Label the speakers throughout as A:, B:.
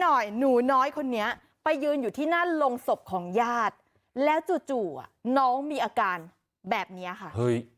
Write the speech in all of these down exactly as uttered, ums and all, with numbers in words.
A: หน่อยหนูน้อยคนนี้ไปยืนอยู่ที่หน้าโลงศพของญาติแล้วจู่ๆน้องมีอาการแบบนี้ค่ะ
B: เฮ้ย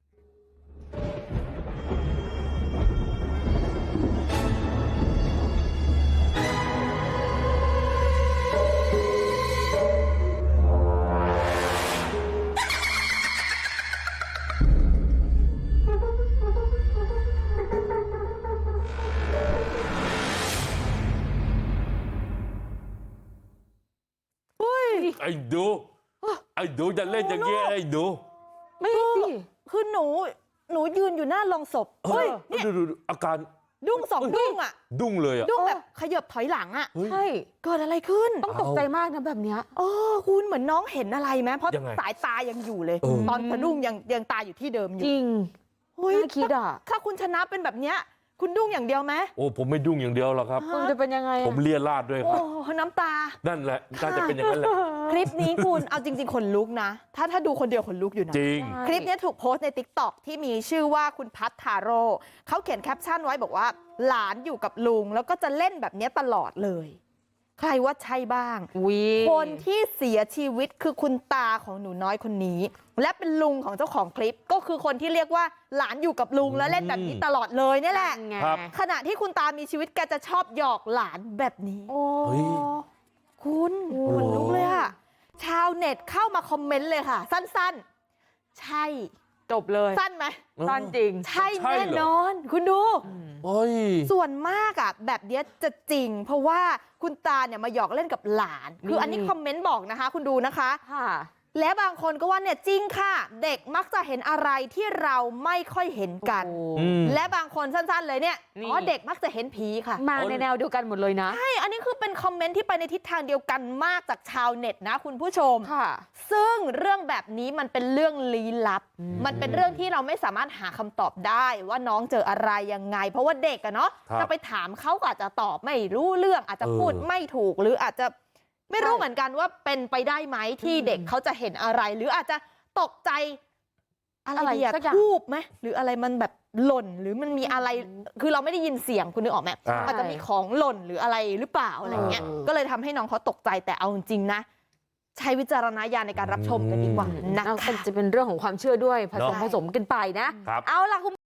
B: ไอ้ดูไอ้ดูจะเล่นอย่างเงี้ยไอ้ดู
A: ไม่สิคือหนูหนูยืนอยู่หน้าโลงศพเฮ้ยเนี่ย
B: ดูอาการ
A: ดุ้งสองดุ้งอ่ะ
B: ดุ้งเลยอ่ะ
A: ดุ้งแบบขยับถอยหลังอ่ะ
C: ใช่
A: เกิดอะไรขึ้น
C: ต้องตกใจมากนะแบบเนี้ย
A: เออคุณเหมือนน้องเห็นอะไรไหมเพราะสายตายังอยู่เลยตอนสะดุ้งยังยังตาอยู่ที่เดิมอยู่
C: จริง
A: น่า
C: คิดอ่ะ
A: ถ้าคุณชนะเป็นแบบเนี้ยคุณดุ้งอย่างเดียวไหม
B: โอ้ผมไม่ดุ้งอย่างเดียวหรอกครับ
C: คุณจะเป็นยังไง
B: ผมเลียราดด้วยครับ
A: โอ้น้ำตา
B: นั่นแหละน่าจะเป็นอย่างนั้นแหละ
A: คลิปนี้คุณเอาจริงๆขนลุกนะถ้าถ้าดูคนเดียวขนลุกอยู่นะ
B: จริง
A: คลิปนี้ถูกโพสต์ใน ติ๊กต็อก ที่มีชื่อว่าคุณพัทธาโร่เขาเขียนแคปชั่นไว้บอกว่าหลานอยู่กับลุงแล้วก็จะเล่นแบบนี้ตลอดเลยใครว่าใช่บ้างคนที่เสียชีวิตคือคุณตาของหนูน้อยคนนี้และเป็นลุงของเจ้าของคลิปก็คือคนที่เรียกว่าหลานอยู่กับลุงแล้วเล่นแบบนี้ตลอดเลยนี่แหละขณะที่คุณตามีชีวิตแกจะชอบหยอกหลานแบบนี้
C: โอ้
A: คุณขนลุกเลยอะชาวเน็ตเข้ามาคอมเมนต์เลยค่ะสั้นๆใช่
C: จบเลย
A: สั้นไหม
C: สั้นจริง
A: ใช่แน่นอนคุณดูส่วนมากอ่ะแบบนี้จะจริงเพราะว่าคุณตาเนี่ยมาหยอกเล่นกับหลานคืออันนี้คอมเมนต์บอกนะคะคุณดูนะคะและบางคนก็ว่าเนี่ยจริงค่ะเด็กมักจะเห็นอะไรที่เราไม่ค่อยเห็นกันและบางคนสั้นๆเลยเนี่ยอ๋อเด็กมักจะเห็นผีค่ะ
C: มาในแนวเดียวกันหมดเลยนะ
A: ใช่อันนี้คือเป็นคอมเมนต์ที่ไปในทิศทางเดียวกันมากจากชาวเน็ตนะคุณผู้ชม
C: ค่ะ
A: ซึ่งเรื่องแบบนี้มันเป็นเรื่องลี้ลับมันเป็นเรื่องที่เราไม่สามารถหาคำตอบได้ว่าน้องเจออะไรยังไงเพราะว่าเด็กอะเนาะจะไปถามเขาก็อาจจะตอบไม่รู้เรื่องอาจจะพูดไม่ถูกหรืออาจจะไม่รู้เหมือนกันว่าเป็นไปได้ไหมที่เด็กเขาจะเห็นอะไรหรืออาจจะตกใจอะไรอะทูบไหมหรืออะไรมันแบบหล่นหรือมันมีอะไรคือเราไม่ได้ยินเสียงคุณนึกออกไหมอาจจะมีของหล่นหรืออะไรหรือเปล่าอะไรเงี้ยก็เลยทำให้น้องเขาตกใจแต่เอาจริงๆนะใช้วิจารณญาณในการรับชมกันดีกว่านะคะ
C: จะเป็นเรื่องของความเชื่อด้วยผสมผสมกันไปนะเอาล่ะคุณ